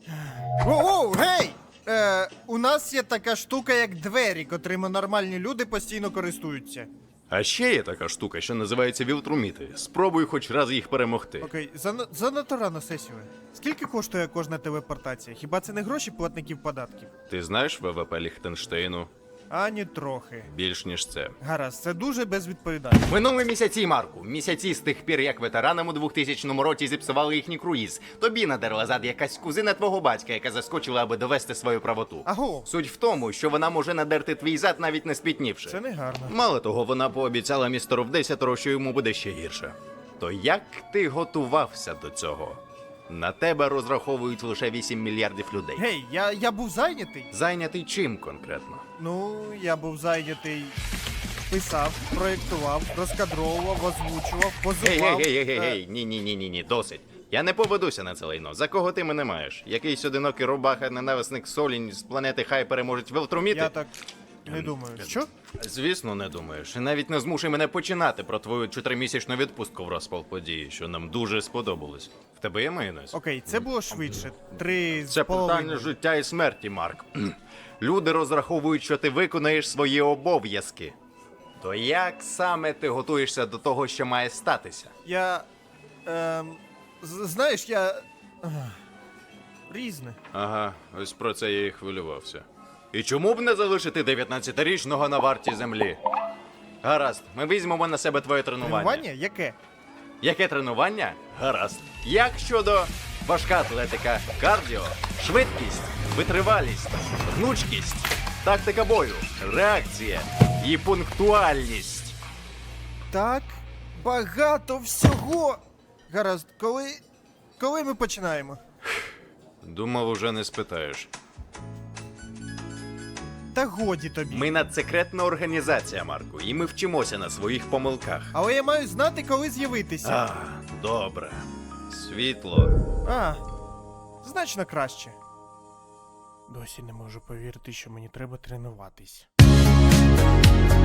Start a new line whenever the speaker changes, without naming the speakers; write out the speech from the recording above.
Оу, гей! У нас є така штука, як двері, котрими нормальні люди постійно користуються.
А ще є така штука, що називається вілтруміти. Спробуй хоч раз їх перемогти.
Окей, занадто рано сесію. Скільки коштує кожна телепортація? Хіба це не гроші платників податків?
Ти знаєш ВВП Ліхтенштейну?
Ані трохи.
Більш ніж це.
Гаразд, це дуже безвідповідально.
Минули місяці, Марку. Місяці з тих пір, як ветеранам у 2000 році зіпсували їхній круїз. Тобі надерла зад якась кузина твого батька, яка заскочила, аби довести свою правоту.
Аго,
Суть в тому, що вона може надерти твій зад, навіть не спітнівши.
це не гарно.
Мало того, вона пообіцяла містеру вдесятеро, що йому буде ще гірше. То як ти готувався до цього? На тебе розраховують лише 8 мільярдів людей.
Гей, я був зайнятий.
Зайнятий чим конкретно?
Ну, я був зайнятий. Писав, проєктував, розкадровував, озвучував, позував.
Гей, ні, досить. Я не поведуся на це лайно. За кого ти мене маєш? Якийсь одинокий рубаха, ненависник Солінь з планети Хай переможуть вілтруміти?
Я так не думаю. Що?
Звісно, не думаєш. І навіть не змушуй мене починати про твою 4-місячну відпустку в розпал події, що нам дуже сподобалось. В тебе є майонез?
Окей, це було швидше. 3 з
Це
половиною.
питання життя і смерті, Марк. Люди розраховують, що ти виконаєш свої обов'язки. То як саме ти готуєшся до того, що має статися?
Я. Знаєш, я. Різне.
Ага, ось про це я і хвилювався. І чому б не залишити 19-річного на варті землі? Гаразд, ми візьмемо на себе твоє тренування.
Тренування? Яке?
Яке тренування? Гаразд. Як щодо важка атлетика, кардіо, швидкість, витривалість, гнучкість, тактика бою, реакція і пунктуальність?
Так, багато всього. Гаразд, коли ми починаємо?
Думав, уже не спитаєш.
Та годі тобі.
Ми надсекретна організація, Марку, і ми вчимося на своїх помилках.
Але я маю знати, коли з'явитися.
А, добре. Світло.
Значно краще. Досі не можу повірити, що мені треба тренуватись.